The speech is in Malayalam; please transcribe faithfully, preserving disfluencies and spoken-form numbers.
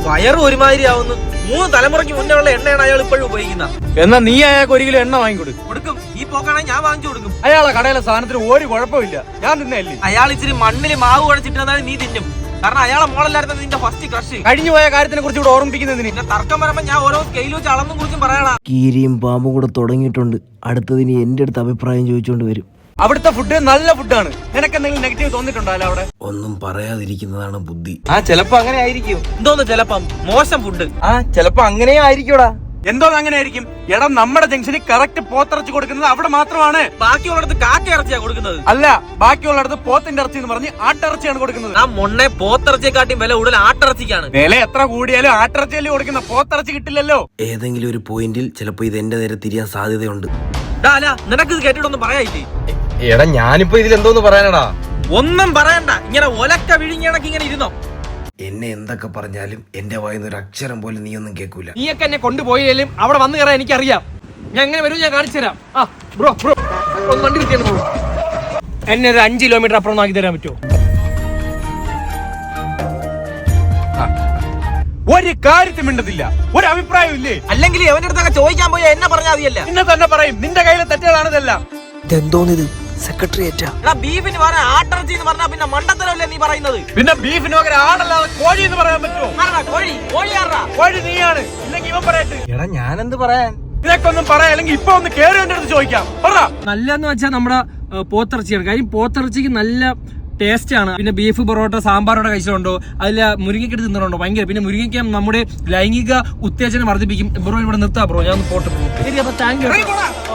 വയറ് ഒരുമാതിരി ആവുന്നു. മൂന്ന് തലമുറയ്ക്ക് മുന്നേ ഉള്ള എണ്ണയാണ് അയാൾ ഇപ്പോഴും ഉപയോഗിക്കുന്ന. എന്നാ നീ അയാൾക്ക് ഒരു കിലോ എണ്ണ വാങ്ങിക്കൊടുക്കും. കൊടുക്കും. ഈ പോക്കാണെങ്കിൽ ഞാൻ വാങ്ങിച്ചു കൊടുക്കും. അയാളെ കടയിലെ സാധനത്തിന് ഒരു കുഴപ്പമില്ല, ഞാൻ തിന്നല്ലേ. അയാൾ ഇച്ചിരി മണ്ണിൽ മാവ് കുഴച്ചിട്ടാണ് നീ തിന്നും. കാരണം അയാളെ മോളല്ലായിരുന്നു നിന്റെ ഫസ്റ്റ് ക്രഷ്. കഴിഞ്ഞു പോയ കാര്യത്തിനെ കുറിച്ച് ഇവിടെ ഓർമ്മിപ്പിക്കുന്നതിന് പിന്നെ തർക്കം വരുമ്പോ ഞാൻ ഓരോ സ്കെയിൽ വെച്ച് അളന്നും കുറിച്ചും പറയണ. കീരിയും പാമ്പും കൂടെ തുടങ്ങിയിട്ടുണ്ട്. അടുത്തതിന് എന്റെ അടുത്ത് അഭിപ്രായം ചോദിച്ചോണ്ട് വരും. അവിടുത്തെ ഫുഡ് നല്ല ഫുഡാണ്. നിനക്ക് എന്തെങ്കിലും നെഗറ്റീവ് തോന്നിയിട്ടുണ്ടോ അവിടെ? ഒന്നും പറയാതിരിക്കുന്നതാണ് ബുദ്ധി. ആ ചിലപ്പോ അങ്ങനെ ആയിരിക്കും. എന്തോന്ന് ചിലപ്പം മോശം ഫുഡ്. ആ ചിലപ്പോ അങ്ങനെയും ആയിരിക്കൂടാ. എന്തോ അങ്ങനെ ആയിരിക്കും. എടാ നമ്മുടെ ജംഗ്ഷനിൽ കറക്റ്റ് പോത്തിറച്ചി കൊടുക്കുന്നത് അവിടെ മാത്രമാണ്. ബാക്കിയുള്ളിടത്ത് കാക്ക ഇറച്ചിയാ കൊടുക്കുന്നത്. അല്ല, ബാക്കിയുള്ളിടത്ത് പോത്തിന്റെ ഇറച്ചി എന്ന് പറഞ്ഞ് ആട്ടിറച്ചിയാണ് കൊടുക്കുന്നത്. ആ മൊണ്ണെ പോത്തിറച്ചിയെക്കാട്ടിയും വില കൂടുതൽ ആട്ടിറച്ചിക്കാണ്. വില എത്ര കൂടിയാലും ആട്ടിറച്ചിയല്ലേ കൊടുക്കുന്ന, പോത്തിറച്ചി കിട്ടില്ലല്ലോ. ഏതെങ്കിലും ഒരു പോയിന്റിൽ ചിലപ്പോ ഇത് എന്റെ നേരെ തിരിയാൻ സാധ്യതയുണ്ട്. നിനക്ക് ഇത് കേട്ടിട്ടൊന്നും പറയായില്ലേ? എടാ ഞാനിപ്പോ ഇതിൽ എന്തോന്ന് പറയാനടാ? ഒന്നും പറയണ്ട. ഇങ്ങനെ ഒലക്ക വിഴിഞ്ഞണക്ക് ഇങ്ങനെ ഇരുന്നോ. എന്നെ എന്തൊക്കെ പറഞ്ഞാലും എന്റെ വായിന്ന് ഒരു അക്ഷരം പോലും നീ ഒന്നും കേൾക്കൂല. നീയൊക്കെ എന്നെ കൊണ്ടുപോയാലും അവിടെ വന്നു കയറാൻ എനിക്കറിയാം. ഞാൻ എങ്ങനെ വരും ഞാൻ കാണിച്ചു തരാം. ആ ബ്രോ ബ്രോ ഒന്ന് വണ്ടി കിട്ടിയാണ് ബ്രോ. എന്നെ ഒരു അഞ്ച് കിലോമീറ്റർ അപ്പുറം ആക്കി തരാൻ പറ്റുമോ? ഒരു കാര്യത്തിൽ മിണ്ടത്തില്ല, ഒരു അഭിപ്രായം ഇല്ലേ? അല്ലെങ്കിൽ അവന്റെ അടുത്തൊക്കെ ചോദിക്കാൻ പോയാ എന്നെ പറഞ്ഞാൽ മതിയല്ല. നിന്നെ തന്നെ പറയും, നിന്റെ കയ്യിലെ തെറ്റുകളാണ് ഇതെല്ലാം. ഇതെന്തോന്നിത് സെക്രട്ടറിയേറ്റാ? ബീഫിന് പറയാൻ ആട്ടിറച്ചി എന്ന് പറഞ്ഞാൽ പിന്നെ മണ്ടത്തരല്ലേ നീ പറയുന്നത്? പിന്നെ ബീഫിന് പകരം ആടല്ലാതെ കോഴി എന്ന് പറയാൻ പറ്റുമോ? കോഴി കോഴി ആറാ കോഴി നീയാണ്, ഇല്ലെങ്കിൽ ഇവൻ പറയട്ടെ. എടാ ഞാനെന്ത് പറയാൻ? ഇതൊക്കെ ഒന്നും പറയാ, അല്ലെങ്കിൽ ഇപ്പൊ ഒന്ന് കേറി എന്റെ അടുത്ത് ചോദിക്കാം. പറ. നല്ലതെന്ന് വെച്ചാൽ നമ്മുടെ പോത്തിറച്ചിയാണ്. കാര്യം പോത്തിറച്ചിക്ക് നല്ല ടേസ്റ്റ് ആണ്. പിന്നെ ബീഫ് പൊറോട്ട സാമ്പാറോടെ കഴിച്ചിട്ടുണ്ടോ? അതിൽ മുരിങ്ങയ്ക്കെടുത്ത് തിന്നിട്ടുണ്ടോ? ഭയങ്കര. പിന്നെ മുരിങ്ങയ്ക്ക നമ്മുടെ ലൈംഗിക ഉത്തേജനം വർദ്ധിപ്പിക്കും. ബ്രോ ഇവിടെ നിർത്താം ബ്രോ, ഞാൻ ഒന്ന് പോട്ട് ബ്രോ. ശരി, അപ്പൊ താങ്ക് യു.